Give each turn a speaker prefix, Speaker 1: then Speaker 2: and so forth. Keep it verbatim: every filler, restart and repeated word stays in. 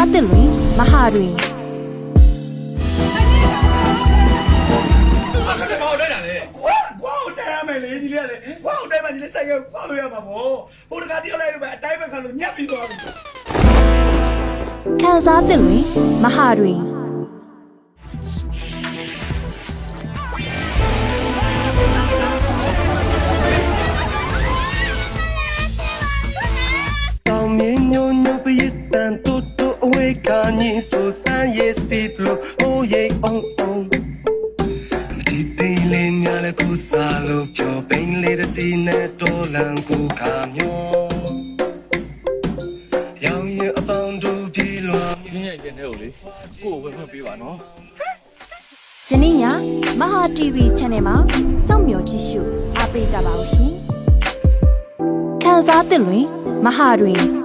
Speaker 1: စားသစ်လွင်မဟာတွင်
Speaker 2: အခက်တော့လိုက်တာလေခွာခွာတိုင်ရမယ်လေဒီလေးကလေခွာတိုင်မှဒီလေးဆိုင်ကခွာလို့ရမှာပေါ့ဟိုတကားတယောက်လိုက်လို့ပဲအတိုင်းပဲခံလို့ညက်ပြီးသွားပြီ
Speaker 1: ခံစားသစ်လွင်မဟာတွင်
Speaker 3: တောင်မြင်းညိုညိုပရိသန်တူတူအဝေးကညင်ဆိုဆန်းရဲ့စီလို့အိုးရိတ်အောင်အောင်မကြည့်သေးလေးများလည်းကိုစားလို့ပြောပိန်လေးတစ်စီနဲ့တော်လန်ကိုခါမျိုးရောင်ရအပေါင်းတို့ပြေးလွှာ
Speaker 4: ရှင်းရဲ့ကျန်တဲ့ကိုလေကိုကိုဝင်ခွင့်ပေးပါနော်
Speaker 1: ယနေ့ညမဟာ တီဗီ Channel မှာစောင့်မျှော်ကြည့်ရှုအားပေးကြပါဦးရှင်ခံစားသစ်လွင်မဟာတွင်